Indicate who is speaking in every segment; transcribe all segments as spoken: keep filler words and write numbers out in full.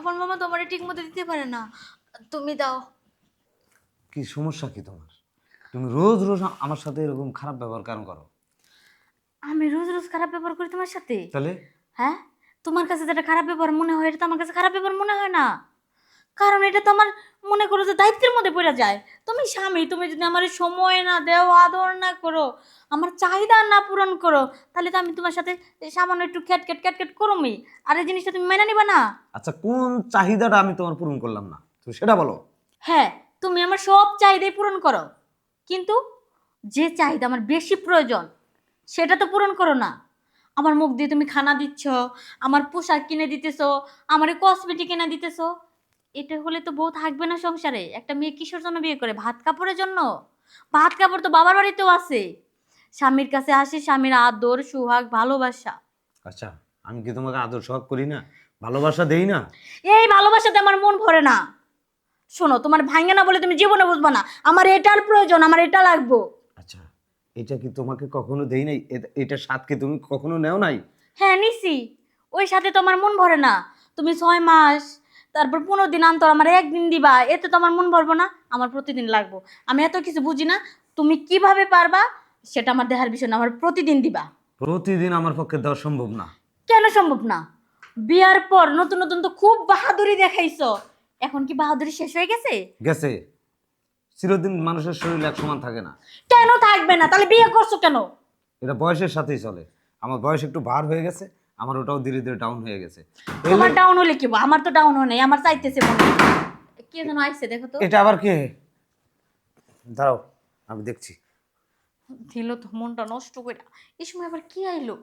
Speaker 1: আমার মামা তো আমারে ঠিক মতো দিতে পারে না, তুমি দাও।
Speaker 2: কি সমস্যা কি তোমার? তুমি রোজ রোজ আমার সাথে এরকম খারাপ ব্যবহার কেন করো?
Speaker 1: আমি রোজ রোজ খারাপ ব্যবহার করি তোমার সাথে?
Speaker 2: তাহলে
Speaker 1: হ্যাঁ, তোমার কাছে যেটা খারাপ ব্যবহার মনে হয় এটা তো আমার কাছে খারাপ ব্যবহার মনে হয় না। কারণ এটা তো আমার মনে করো যে দায়িত্বের মধ্যে পড়ে যায়। তুমি স্বামী, তুমি যদি আমার সময় না দেও, আদর না করো, আমার চাহিদা না পূরণ করো, তাহলে তো আমি তোমার সাথে সামান্য একটু খ্যাট খ্যাট খ্যাট খ্যাট করোমি। আর এই জিনিসটা তুমি মেনে নিবা না?
Speaker 2: আচ্ছা, কোন চাহিদাটা আমি তোমার পূরণ করলাম না তুমি সেটা বলো।
Speaker 1: হ্যাঁ, তুমি আমার সব চাহিদাই পূরণ করো, কিন্তু যে চাহিদা আমার বেশি প্রয়োজন সেটা তো পূরণ করো না। আমার মুখ দিয়ে তুমি খানা দিচ্ছ, আমার পোশাক কিনে দিতেছো, আমার কসমেটিক কিনে দিতেছো। এটা হলে তো বউ থাকবে না সংসারে। একটা মেয়ে কিসের জন্য বিয়ে করে? ভাত কাপড়ের জন্য? ভাত কাপড় তো বাবার বাড়িতেও আছে। স্বামীর কাছে আসে স্বামীর আদর, সোহাগ, ভালোবাসা।
Speaker 2: আচ্ছা, আমি কি তোমাকে আদর সোহাগ করি না, ভালোবাসা দেই না?
Speaker 1: এই ভালোবাসাতে আমার মন ভরে না। শোনো, তোমার ভাঙে না বলে তুমি জীবনে বুঝবা না। আমার এটার প্রয়োজন, আমার এটা লাগবো।
Speaker 2: আচ্ছা, এটা কি তোমাকে কখনো দেই নাই? এটা এটার স্বাদ কি তুমি কখনো নেও নাই?
Speaker 1: হ্যাঁ নিছি, ওই সাথে তো আমার মন ভরে না। তুমি ছয় মাস, তারপর পনেরো দিন অন্তর আমার একদিন দিবা, এতে তো আমার মন ভরবো না। আমার প্রতিদিন লাগবো। আমি এত কিছু বুঝি না, তুমি কিভাবে পারবা সেটা আমার দেহার বিষয় না, আমার প্রতিদিন দিবা।
Speaker 2: প্রতিদিন আমার পক্ষে দেওয়া সম্ভব না।
Speaker 1: কেন সম্ভব না? বিয়ার পর নতুন নতুন তো খুব বাহাদুরি দেখাইছো, এখন কি বাহাদুরি শেষ হয়ে গেছে?
Speaker 2: গেছে। চিরদিন মানুষের শরীর এক সমান থাকে না।
Speaker 1: কেন থাকবে না? তাহলে বিয়ে করছো কেন?
Speaker 2: এটা বয়সের সাথেই চলে। আমার বয়স একটু ভার হয়ে গেছে, আমার ওটাও ধীরে ধীরে ডাউন হয়ে গেছে। এই
Speaker 1: তোমার
Speaker 2: লে-
Speaker 1: ডাউন হলে কি হবো? আমার তো ডাউন হয় নাই, আমার চাইতেছে মনে হয়। কে যেন আইছে দেখো তো।
Speaker 2: এটা আবার কে? দাঁড়াও, আমি দেখছি।
Speaker 1: দিল তো মনটা নষ্ট করে। এই সময় আবার কি আইলো?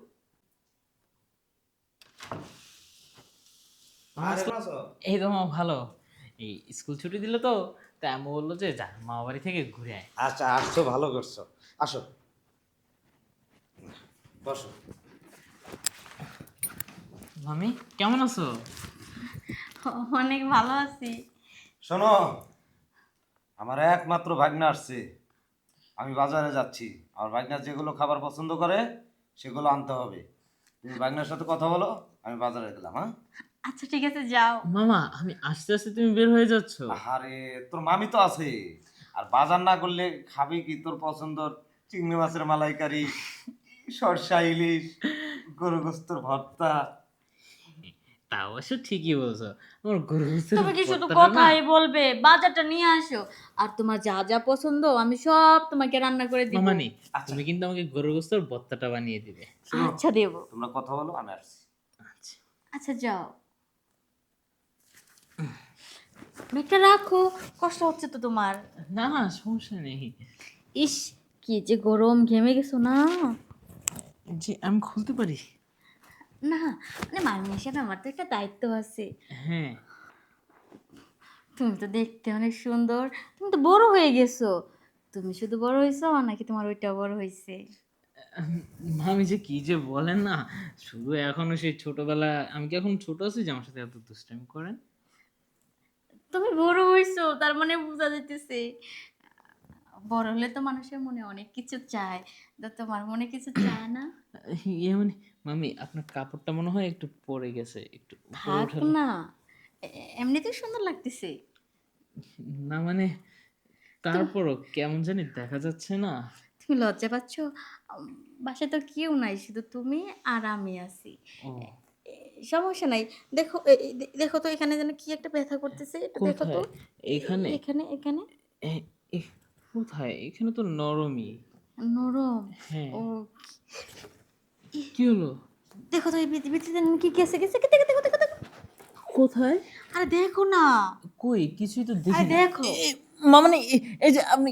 Speaker 3: এই তো মামা ভালো। এই স্কুল ছুটি দিল তো, তাই আমি বললো যে যা মামা বাড়ি থেকে ঘুরে আয়।
Speaker 2: আচ্ছা, আসছো, ভালো করছো। আসো, বসো।
Speaker 3: মামি কেমন আছো?
Speaker 1: অনেক ভালো আছি।
Speaker 2: শোনো, আমার একমাত্র ভাগ্না আসছে। আমি বাজারে যাচ্ছি। আমার ভাগ্না যেগুলো খাবার পছন্দ করে সেগুলো আনতে হবে। তুমি ভাগ্নার সাথে কথা বলো, আমি বাজারে গেলাম। হ্যাঁ?
Speaker 1: আচ্ছা ঠিক আছে, যাও।
Speaker 3: মামা আমি আস্তে আস্তে তুমি বের হয়ে যাচ্ছ।
Speaker 2: আরে, তোর মামি তো আছে। আর বাজার না করলে খাবি কি তোর পছন্দর চিংড়ি মাছের মালাইকারি, সরষা ইলিশ, গরু গোস্তের ভর্তা।
Speaker 3: তা অবশ্য ঠিকই বলছো। আমার গরু গোশতের
Speaker 1: তুমি কি শুধু
Speaker 3: ভর্তাটা না।
Speaker 1: কথাই বলবে? বাজারটা নিয়ে আসো, আর তোমার যা যা পছন্দ আমি সব তোমাকে রান্না করে দিব।
Speaker 3: মামানি
Speaker 2: আচ্ছা,
Speaker 3: তুমি কিন্তু আমাকে গরু গোশতের ভর্তাটা বানিয়ে দিবে।
Speaker 2: শোনো,
Speaker 1: আচ্ছা দেব।
Speaker 2: তোমরা কথা বলো, আমি আসছি।
Speaker 3: আচ্ছা।
Speaker 1: আচ্ছা যাও, ব্যাগটা রাখো, কষ্ট হচ্ছে তো তোমার।
Speaker 3: না না সমস্যা নেই।
Speaker 1: ইস, কি যে গরম, ঘেমে গেছো না?
Speaker 3: জি আমি খুলতে পারি।
Speaker 1: না, মানে মামি হিসেবে আমার তো একটা দায়িত্ব আছে।
Speaker 3: হ্যাঁ।
Speaker 1: তুমি তো দেখতে অনেক সুন্দর, তুমি তো বড় হয়ে গেছো। তুমি শুধু বড় হয়েছো নাকি তোমার ওইটা বড় হয়েছে?
Speaker 3: মামি যে কি যে বলেন না, শুধু এখনো সেই ছোটবেলা। আমি কি এখন ছোট আছি যে আমার সাথে এত দুষ্টামি করেন?
Speaker 1: তুমি বড় হইছো, তার মানে বোঝা যাইতেছে। বড় হলে তো মানুষের মনে অনেক কিছু চায়, তো তোমার মনে কিছু চায় না?
Speaker 3: ইয়ে মানে মামি আপনার কাপড়টা মনে হয় একটু পরে গেছে, একটু উপরে
Speaker 1: থাক
Speaker 3: উঠালে।
Speaker 1: না, এ- এমনিতেই সুন্দর লাগতেছে।
Speaker 3: না মানে
Speaker 1: তো
Speaker 3: তারপরও কেমন জানি দেখা যাচ্ছে না।
Speaker 1: তুমি লজ্জা পাচ্ছ? উম, বাসায় তো কেউ নাই, শুধু তুমি আর আমি আছি।
Speaker 3: ও
Speaker 1: এ, সমস্যা নাই। দেখো এ- এ- দে- দেখো তো এখানে যেন কি একটা ব্যথা করতেছে, এটা দেখো তো।
Speaker 3: কোথায়?
Speaker 1: এ-
Speaker 3: এখানে?
Speaker 1: এখানে এখানে
Speaker 3: এ- এ- কোথায়? এখানে তো নরমই।
Speaker 1: নরম।
Speaker 3: হ্যাঁ।
Speaker 1: ও,
Speaker 3: কি হলো?
Speaker 1: দেখো তো এই ভিত- ভিতরে যেন কি গেছে গেছে, দেখো দেখো দেখো দেখো।
Speaker 3: কোথায়?
Speaker 1: আরে দেখো না,
Speaker 3: কই কিছুই তো
Speaker 1: আরে
Speaker 3: দেখি না।
Speaker 1: দেখো।
Speaker 3: এ, মামানি এ- এই যে আপনি,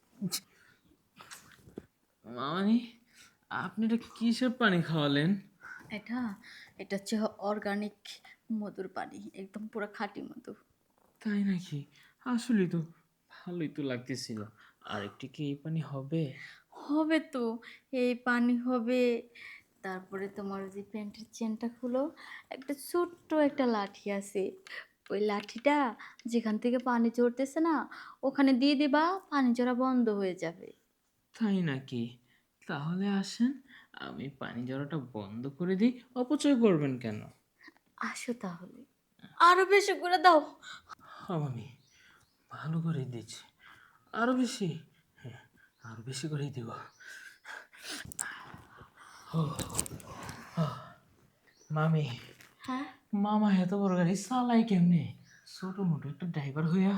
Speaker 3: মামানি আপনি এটা কিসের পানি খাওয়ালেন?
Speaker 1: এটা এটা হচ্ছে অর্গানিক মধুর পানি, একদম পুরো খাঁটি মধু।
Speaker 3: তাই নাকি? আসলেই তো ভালোই তো লাগতেছিল। আর একটু কি এই পানি হবে?
Speaker 1: হবে তো, এই পানি হবে। তারপরে তোমার যে প্যান্টের চেনটা খুলো, একটা ছোট্ট একটা লাঠি আছে, ওই লাঠিটা যেখান থেকে পানি ঝরতেছে না ওখানে দিয়ে দিবা, পানি ঝরা বন্ধ হয়ে যাবে।
Speaker 3: তাই নাকি? তাহলে আসেন, আমি পানি ঝরাটা বন্ধ করে দিই। অপচয় করবেন কেন?
Speaker 1: আসো তাহলে। আরো বেশি করে দাও।
Speaker 3: হ্যাঁ মামি, ভালো করেই দিচ্ছি, আরো বেশি, হ্যাঁ আরো বেশি করেই দিব। মামি,
Speaker 1: হ্যাঁ,
Speaker 3: মামা এত বড় গাড়ি চালাই কেমনে? ছোট মোটো একটা ড্রাইভার হইয়া।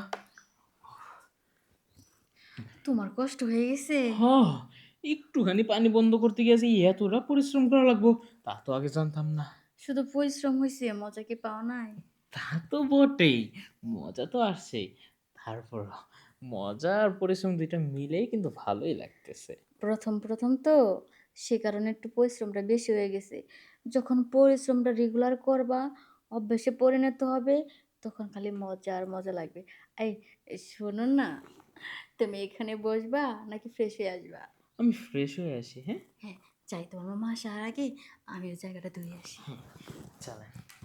Speaker 1: তোমার কষ্ট হয়ে গেছে।
Speaker 3: হ, একটুখানি পানি বন্ধ করতে গিয়েছি এতটা পরিশ্রম করা লাগবো তা তো আগে জানতাম না।
Speaker 1: শুধু পরিশ্রম হয়েছে, মজা কি পাও নাই?
Speaker 3: তা তো বটেই, মজা তো আসছেই। তারপর মজা আর পরিশ্রম দুইটা মিলেই কিন্তু ভালোই লাগতেছে।
Speaker 1: প্রথম প্রথম তো, সে কারণে একটু পরিশ্রমটা বেশি হয়ে গেছে। যখন পরিশ্রমটা রেগুলার করবা, অভ্যাসে পরিণত হবে, তখন খালি মজা আর মজা লাগবে। এই, এই শোনো না, তুমি এখানে বসবা নাকি ফ্রেশ হয়ে আসবা?
Speaker 3: আমি ফ্রেশ হয়ে আসি, হ্যাঁ।
Speaker 1: হ্যাঁ, চাই তোমার মামা আসার আগে আমি ওই জায়গাটা ধুয়ে আসি।
Speaker 3: চলেন।